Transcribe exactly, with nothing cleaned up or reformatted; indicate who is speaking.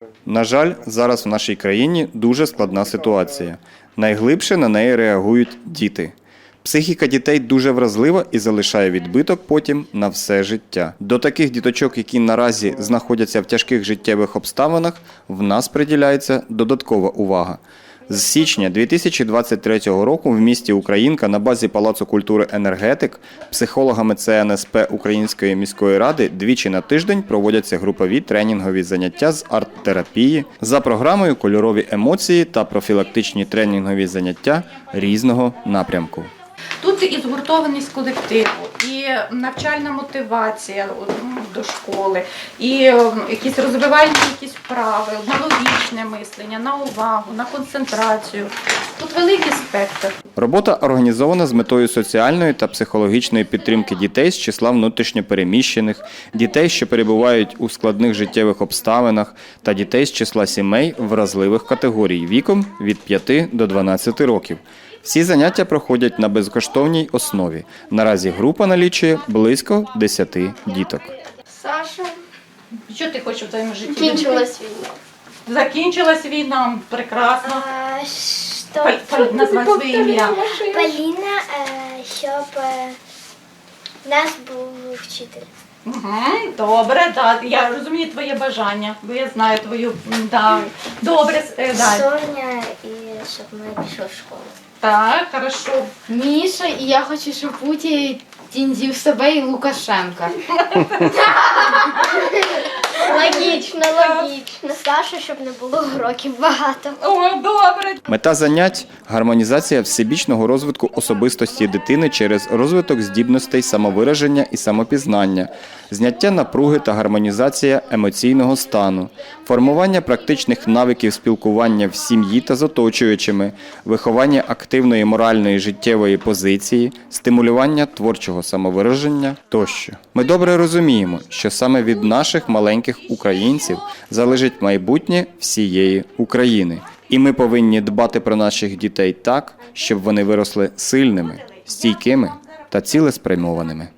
Speaker 1: На жаль, зараз в нашій країні дуже складна ситуація. Найглибше на неї реагують діти. Психіка дітей дуже вразлива і залишає відбиток потім на все життя. До таких діточок, які наразі знаходяться в тяжких життєвих обставинах, в нас приділяється додаткова увага. З січня дві тисячі двадцять третього року в місті Українка на базі Палацу культури «Енергетик» психологами Це Ен Ес Пе Української міської ради двічі на тиждень проводяться групові тренінгові заняття з арт-терапії за програмою «Кольорові емоції» та профілактичні тренінгові заняття різного напрямку.
Speaker 2: Тут і згуртованість колективу, і навчальна мотивація до школи, і якісь розвивальні якісь вправи, на логічне мислення, на увагу, на концентрацію. Тут великий спектр.
Speaker 1: Робота організована з метою соціальної та психологічної підтримки дітей з числа внутрішньопереміщених, дітей, що перебувають у складних життєвих обставинах, та дітей з числа сімей вразливих категорій віком від п'яти до дванадцяти років. Всі заняття проходять на безкоштовній основі. Наразі група налічує близько десяти діток.
Speaker 2: Саша, що ти хочеш в твоєму житті?
Speaker 3: Закінчилась війна.
Speaker 2: Закінчилась війна, прекрасно.
Speaker 3: А, що...
Speaker 2: Паль- Паль- Назвай своє ім'я.
Speaker 3: Поліна, е, щоб е, в нас був вчитель.
Speaker 2: Угу, добре, да. Я розумію твоє бажання, бо я знаю твою. Да. Добре, е, да.
Speaker 3: Соня, і щоб ми пішли в школу.
Speaker 2: Так, хорошо.
Speaker 4: Міша, і я хочу, щоб Путін з'їв себе і Лукашенка.
Speaker 3: Логічно, логічно. Саша, щоб не було уроків багато.
Speaker 2: О, добре.
Speaker 1: Мета занять – гармонізація всебічного розвитку особистості дитини через розвиток здібностей самовираження і самопізнання, зняття напруги та гармонізація емоційного стану, формування практичних навиків спілкування в сім'ї та з оточуючими, виховання активної моральної життєвої позиції, стимулювання творчого самовираження тощо. Ми добре розуміємо, що саме від наших маленьких українців залежить майбутнє всієї України. І ми повинні дбати про наших дітей так, щоб вони виросли сильними, стійкими та цілеспрямованими.